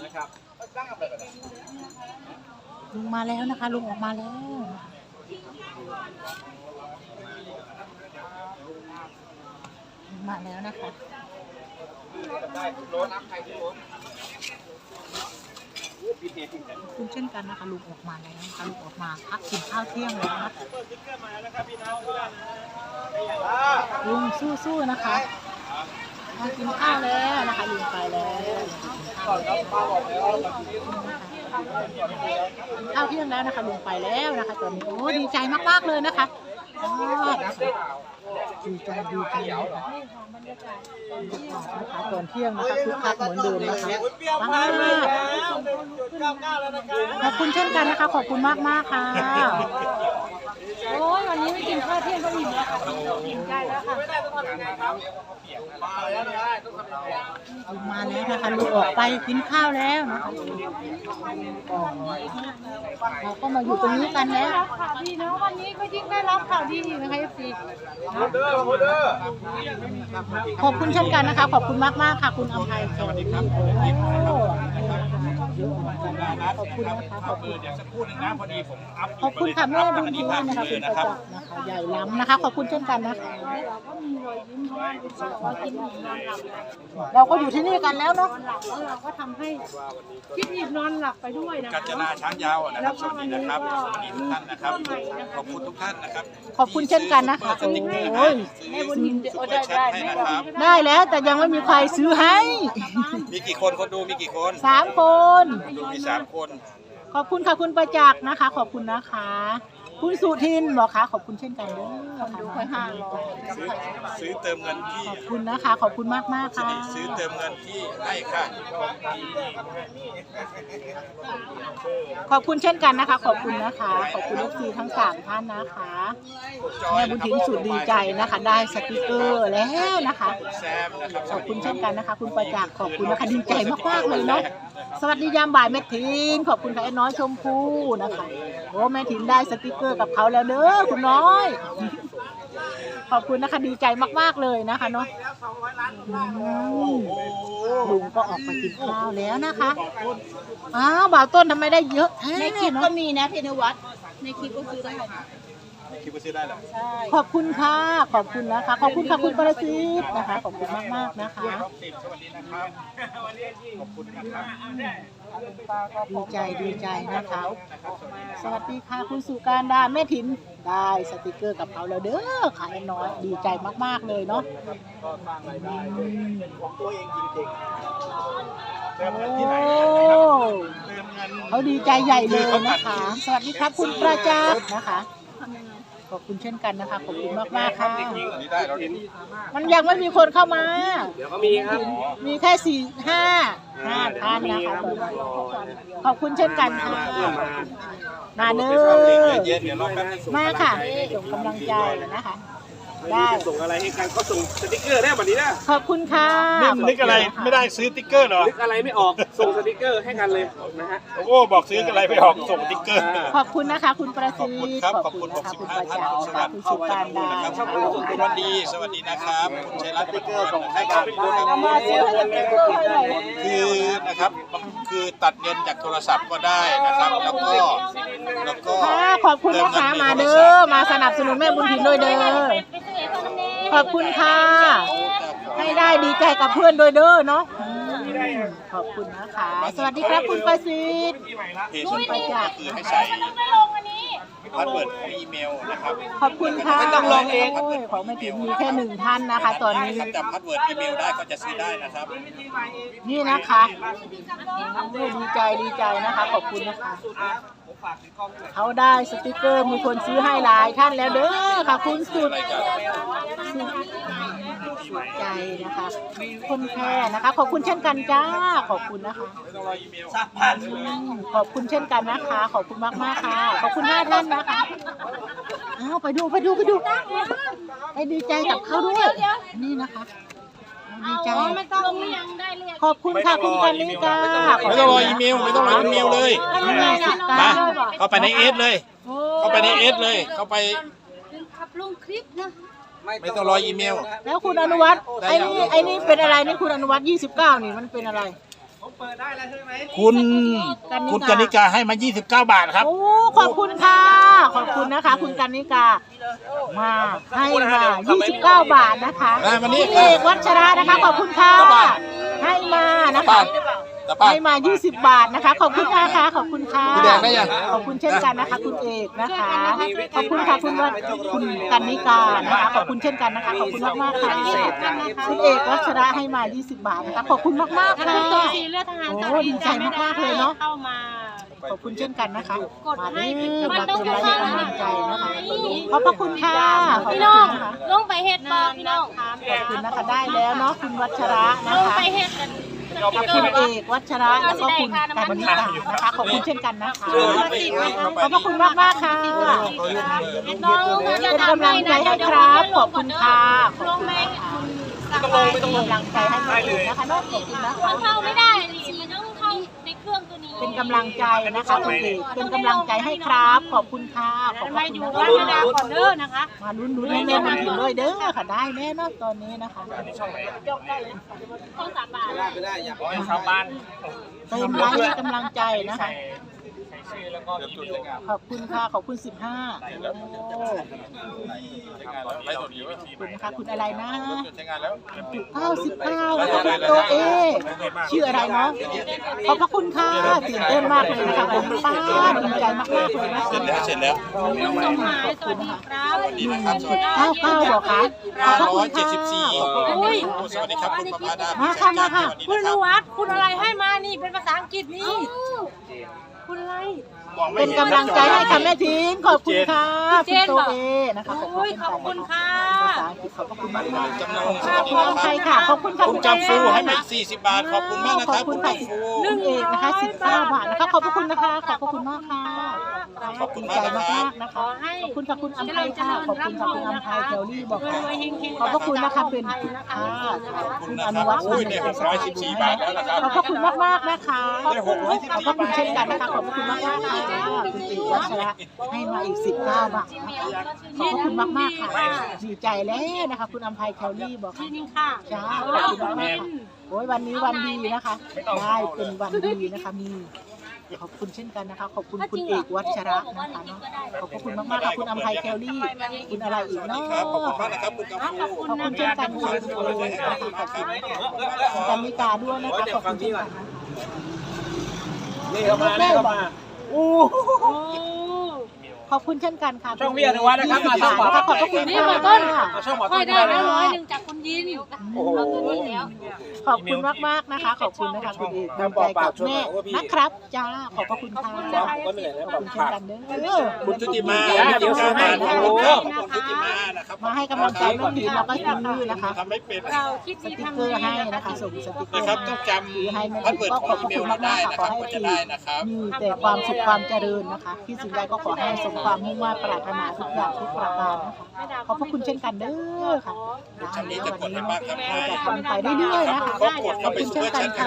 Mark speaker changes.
Speaker 1: ลุงมาแล้วนะคะลุงออกมาแล้วมาแล้วนะคะคุณเช่นกันนะคะลุงออกมาแล้วนะคะลุงออกมาพักกินข้าวเที่ยงแล้วนะลุงสู้ๆนะคะมากินข้าวแล้วนะคะลุงไปแล้วข้าวเที่ยงแล้วนะคะลุงไปแล้วนะคะตอนนี้โอ้ดีใจมากๆเลยนะคะดีใจนะคะตอนเที่ยงนะคะคึกคักเหมือนเดิมนะคะขอบคุณเช่นกันนะคะขอบคุณมากๆค่ะโอ้ยวันนี้ไม่กินข้าวเที่ยงก็อิ่มแล้วค่ะอิ่มใจแล้วค่ะมาแล้วนะคะลุงออกไปกินข้าวแล้วนะคะเราก็มาอยู่ตรงนี้กันแล้วข่าวดีเนาะวันนี้ก็ยิ่งได้รับข่าวดีนะคะเอฟซีขอบคุณเช่นกันนะคะขอบคุณมากๆค่ะคุณอภัยแคร์ขอบคุณนะคะขอบคุณ
Speaker 2: เดี๋ยวสักครู่นึงนะพอดีผมอัพ
Speaker 1: ขอบคุณค่ะแม่บุญทีนะคะคุณประจักษ์นะคะใหญ่ล้ำนะคะขอบคุณเช่นกันนะคะเราก็อยู่ที่นี่กันแล้วเนาะเราก็ทำให้คิดอิ่มนอนหลับไปด้วยนะ
Speaker 2: กาญจนาช้างยาวนะครับสวัสดีนะครับสวัสดีทุกท่านนะครับขอบคุณทุกท่านนะครับ
Speaker 1: ขอบคุณเช่นกันนะคะโอ้ย
Speaker 2: แม่บุญทินให้นะครับ
Speaker 1: ได้แล้วแต่ยังไม่มีใครซื้อให้
Speaker 2: มีกี่คนคนดูมีกี่คน
Speaker 1: 3 คน
Speaker 2: ดูมี3 คน
Speaker 1: ขอบคุณค่ะคุณประจักษ์นะคะขอบคุณนะคะคุณสุทินบอกค่ะขอบคุณเช่นกันด้วยคนดูค่อย500
Speaker 2: ซื้อเติมเงินที่
Speaker 1: ขอบคุณนะคะขอบคุณมากค่ะ
Speaker 2: ซื้อเติมเงินที่ให้ค่ะ
Speaker 1: ขอบคุณเช่นกันนะคะขอบคุณนะคะขอบคุณลูกทีทั้ง3 ท่านนะคะแม่บุญถิ่นสุดดีใจนะคะได้สติกเกอร์แล้วนะคะขอบคุณเช่นกันนะคะคุณประจักษ์ขอบคุณนะคะดีใจมากๆเลยเนาะสวัสดียามบ่ายแม่ถิ่นขอบคุณค่ะไอ้น้อยชมพู่นะคะโอ้แม่ถิ่นได้สติกเกอร์กับเขาแล้วเด้อคุณน้อยขอบคุณนะคะดีใจมากๆเลยนะคะเนาะลุงก็ออกไปกินข้าวแล้วนะคะอ้าวบ่าวต้นทำไมได้เยอะในคลิปก็มีนะเพนวัตในคลิปก็ซื้อได้
Speaker 2: คิดว่าซื้อได้เหรอ
Speaker 1: ขอบคุณค่ะขอบคุณนะคะขอบคุณค่ะคุณประสิทธิ์นะคะขอบคุณมากๆนะคะ
Speaker 2: สวัสดีนะครับขอบคุณนะครับ
Speaker 1: ดีใจนะคะสวัสดีค่ะคุณสุการดาแม่ถิ่นได้สติกเกอร์กับเขาแล้วเด้อขายน้อยดีใจมากๆเลยเนาะ
Speaker 2: ของตัวเองจริงๆ
Speaker 1: เขาดีใจใหญ่เลยนะคะสวัสดีครับคุณประจักษ์นะคะขอบคุณเช่นกันนะคะขอบคุณมากๆค่ะมันยังไม่มีคนเข้ามา
Speaker 2: เดี๋ยวก็มีครับ
Speaker 1: มีแค่5 ท่านนะคะขอบคุณเช่นกันค่ะมาเด้อมาค่ะส่งกำลังใจนะคะได้
Speaker 2: ส่งอะไรให้กันก็ส่งสติ๊กเกอร์ได้แบบนี้นะ
Speaker 1: ขอบคุณค่ะ
Speaker 2: นึกอะไรไม่ได้ซื้อสติ๊กเกอร์หรอนึกอะไรไม่ออกส่งสติ๊กเกอร์ให้กันเลยนะฮะโอ้บอกซื้ออะไรไม่ออกส่งสติ๊กเกอร์
Speaker 1: ขอบคุณนะคะคุณประสิทธิ์ขอบคุณนะคะคุณประจักษ์คุณสุการดา
Speaker 2: คุณวันดีสวัสดีนะครับคุณชัยรัตน์สติ๊กเกอร์ส่งให้กันคือนะครับคือตัดเงินจากโทรศัพท์ก็ได้นะครับแล้วก็
Speaker 1: ขอบคุณนะคะมาเด้อมาสนับสนุนแม่บุญถิ่นด้วยเด้อขอบคุณค่ะให้ได้ดีใจกับเพื่อนด้วยเด้อเนาะขอบคุณนะคะสวัสดีครับคุณประสิทธิ์
Speaker 2: คุณประจักษ์คือให้ใช้พาสเวิร์ดอีเมลนะครับ
Speaker 1: ขอบคุณค่ะต้องลองเองของแม่ถิ่นมีแค่1 ท่านนะคะตอนนี้
Speaker 2: จำพาสเวิร์ดอีเมลได้ก็จะซื้อได้นะครับ
Speaker 1: นี่นะคะดีใจนะคะขอบคุณนะคะเขาได้สติกเกอร์มีคนซื้อให้หลายท่านแล้วเด้อค่ะคุณสุดใจนะคะคนแค่นะคะขอบคุณเช่นกันจ้าขอบคุณนะคะขอบคุณเช่นกันนะคะขอบคุณมากค่ะขอบคุณ5 ท่านนะคะอ้าวไปดูไปดีใจกับเขาด้วยนี่นะคะดีใจขอบคุณค่ะคุณกันนิกา
Speaker 2: ไม่ต้องรออีเมลเลยมาเข้าไปในเอสเลยเข้าไป
Speaker 3: ลงคลิปนะ
Speaker 2: ไม่ต้องรออีเมล
Speaker 1: แล้วคุณอนุวัฒน์ไอ้นี่เป็นอะไรนี่คุณอนุวัฒน์29นี่มันเป็นอะไร
Speaker 2: คุณกนิกาให้มา29 บาทครับ
Speaker 1: โอ้ขอบคุณค่ะขอบคุณนะคะ คุณกันนิกามาให้มา29 บาทนะคะ
Speaker 2: วันนี้
Speaker 1: คุณเอกวัชระนะคะขอบคุณค่ะให้มานะคะให้มา20 บาทนะคะขอบคุณค่ะขอบคุณค่ะ
Speaker 2: พี่แดงได้ยัง
Speaker 1: ขอบคุณเช่นกันนะคะ คุณเอกนะคะขอบคุณค่ะคุณกันนิกานะคะขอบคุณเช่นกันนะคะขอบคุณมากๆค่ะคุณเอกวัชระให้มา20 บาทนะคะขอบคุณมากๆค่ะโอ้ดีใจมากๆเลยเนาะ
Speaker 3: เข้ามา
Speaker 1: ขอบคุณเช่นกันนะคะมาเด้อ
Speaker 3: มั
Speaker 1: มาน
Speaker 3: ต้อง
Speaker 1: เป็น
Speaker 3: ก
Speaker 1: กำ
Speaker 3: ระ
Speaker 1: ลั
Speaker 3: ทำ
Speaker 1: งใจนะคะขอบพระคุณค่ะขอบ
Speaker 3: พี่
Speaker 1: คุ
Speaker 3: น้อง
Speaker 1: ณนะคะ
Speaker 3: ลงไปเฮ็ดบ่พี่น้อง
Speaker 1: ขอบคุณนะคะได้แล้วเนาะคุณวัชระนะ
Speaker 3: ลง
Speaker 1: คะ
Speaker 3: ไปเฮ็ดกัน
Speaker 1: กับคุณเอกวัชระแล้วก็คุณกันนิกานะคะขอบคุณเช่นกันนะคะขอบพระคุณมากมากๆค่ะ
Speaker 3: น้องมา
Speaker 1: เป็
Speaker 3: จะ
Speaker 1: น
Speaker 3: ทำ
Speaker 1: กำลังใจให้ครับขอบคุณค่ะขอบ
Speaker 3: ล
Speaker 1: คุ
Speaker 3: ง
Speaker 1: ณ
Speaker 3: ไหม
Speaker 1: ค่ะ
Speaker 3: ไม่ต้องลง
Speaker 1: เป็นกำลังใจให้ตัวเองนะคะเนาะขอบคุณนะคะ
Speaker 3: มันเข้าไม่ได้นี่มันต้องเข้าในเครื่องตัวนี้
Speaker 1: เป็นกำลังใจนะคะคุณเอกเป็นกำลังใจให้ครับขอบคุณค่ะขอบ
Speaker 3: มา
Speaker 1: คุณ
Speaker 3: อยู่
Speaker 1: นะ
Speaker 3: บ้าน
Speaker 1: คะ
Speaker 3: นาก่อนเด้อนะคะ
Speaker 1: มาลุ้นๆให้แม่มาถึงด้วยเด้อค่ะได้แน่เนอนตอนนี้นะคะ
Speaker 3: ต้อง3 บาท
Speaker 2: ชาวบ้าน
Speaker 1: เติมไลค์ให้กำลังใจนะคะขอบคุณค่ะขอบคุณ15โอ้ขอบคุณนะคะคุณอะไรนะ99นะคะคุณตัวเอชื่ออะไรเนาะขอบพระคุณค่ะตื่นเต้นมากเลยนะคะคุณป้าดีใจมากๆเลยนะคะ
Speaker 2: เสร็จแล้ว
Speaker 3: สมหมายสวัสดีครับ
Speaker 1: 99บอกค่ะขอบพระคุณค่ะ
Speaker 3: อุ้ย
Speaker 2: สวัสดีครับคุณประภาดา
Speaker 1: มาค่ะมาค่ะ
Speaker 3: คุณนุวัฒน์คุณอะไรให้มานี่เป็นภาษาอังกฤษนี่คุณอะไร
Speaker 1: เป็นกำลังใจให้ค่ะแม่ทิ้งขอบคุณค่ะคุณโตเอนะคะขอบ
Speaker 3: อุ้ยขอบคุณค่ะ
Speaker 1: ภาษาอังกฤษขอบพระคุณมากมาก
Speaker 2: จำลอง
Speaker 1: ค่ะคุณอภัยค่ะขอบคุณค่ะ
Speaker 2: คุณจำฟูให้มา40 บาทขอบคุณมากนะครับ
Speaker 1: ขอบคุ
Speaker 2: คุณ ณ
Speaker 1: ค่ะ
Speaker 2: จำฟู
Speaker 1: คุณเอกนะคะ19 บาทนะคะขอบพระคุณนะคะขอบพระคุณมากค่ะขอบคุณใจมากๆนะคะขอบคุณค่ะคุณอภัยค่ะขอบคุณค่ะคุณอภัยเทลลี่บอกค่ะขอบพระคุณนะคะเป็นคุณอนุวัฒน์
Speaker 2: อุ้ยได้614 บาทแล้วนะครับ
Speaker 1: ขอบพระคุณมากๆนะคะขอบพระคุณเช่นกันนะคะขอบพระคุณมากๆค่ะคุณเอกวัชระให้มาอีก19 บาทขอบพระคุณมากๆค่ะดีใจแล้วนะคะคุณอภัยเทลลี่บอกค่ะ
Speaker 3: นี่ค่ะ
Speaker 1: จ้าขอบคุณมากค่ะโอ้ยวันนี้วันดีนะคะ ได้เป็นวันดีนะคะมีขอบคุณเช่นกันนะคะ ขอบคุณคุณเอกวัชระนะคะเนาะขอบคุณมากๆค่ะคุณอภัยแคลรี่คุณอะไรอีกเนาะ
Speaker 2: ครับขอบคุณมากนะครับคุณจำฟู
Speaker 1: ขอบคุณเช่นกันค่ะคุณเอกนะคะขอบคุณคุณกันนิกาด้วยนะคะขอบคุณเช่นกันนะคะ
Speaker 2: นี่เข้ามาโอ้
Speaker 3: โอ้
Speaker 1: ขอบคุณเช่นกันค่ะ
Speaker 2: ช่องพี่อนุวัฒน์นะครับมาช่อง
Speaker 1: ขอบพระคุณ
Speaker 3: นี่
Speaker 1: ค่ะ
Speaker 3: หมอต้น
Speaker 2: ช่องหมอ
Speaker 3: ค่
Speaker 2: ต้
Speaker 3: อย
Speaker 2: น
Speaker 3: ได้แล้ว100จากคุณยิน
Speaker 2: โอ้โห
Speaker 3: เอาตัวนี้แล้ว
Speaker 1: ขอบคุณมากๆนะคะ ขอบคุณนะคะคุณเอกดีใจกับแม่นะครับจ้าขอบพระคุณค่ะ
Speaker 2: ก็เหนื่อยแล้ว
Speaker 1: ขอบคุณเช่นกันเด้อ
Speaker 2: คุณชุติมาเดี๋ยวซื้อให้ขอบคุณครับขอบคุณชุติมานะครับ
Speaker 1: มาให้กำลังใจน้องดีแล้วก็ซื้อนะคะ
Speaker 2: ทำไม่เป็น
Speaker 3: เราคิด
Speaker 1: ส
Speaker 3: ดี
Speaker 1: ติก
Speaker 3: ทำ
Speaker 1: เกอ
Speaker 3: ดี
Speaker 1: ร์ให้นะคะส่งสติกเกอ
Speaker 2: นะ
Speaker 1: ร์
Speaker 2: ครับ
Speaker 1: ให้
Speaker 2: ต้องจ
Speaker 1: ซื้อให้แม่
Speaker 2: ำพัดเวิร์ด
Speaker 1: ก็
Speaker 2: ข
Speaker 1: ข
Speaker 2: อ
Speaker 1: อง บ
Speaker 2: อี
Speaker 1: พระ
Speaker 2: เม
Speaker 1: คุณ
Speaker 2: ล
Speaker 1: มาก
Speaker 2: ได้
Speaker 1: ๆค่ะ
Speaker 2: นะ
Speaker 1: ข
Speaker 2: ค
Speaker 1: อ
Speaker 2: รับ
Speaker 1: ให้
Speaker 2: ก็จะได้นะครับ
Speaker 1: มีแต่ความสุขความเจริญนะคะที่สิ่งใดก็ขอให้สมความมุ่งมั่นปรารถนาทุกอย่างทุกประการนะคะขอบพระคุณเช่นกันเด้อค่ะได้แล้ววันนี้เนาะเราจะทำไปเรื่อยๆนะคะ
Speaker 2: ก็กด
Speaker 1: ข
Speaker 2: เข้า
Speaker 1: อบ
Speaker 2: ไป
Speaker 1: คุณ
Speaker 2: ซู
Speaker 1: เช่
Speaker 2: เป
Speaker 1: น
Speaker 2: อร์
Speaker 1: กัน
Speaker 2: แชท
Speaker 1: ค่ะ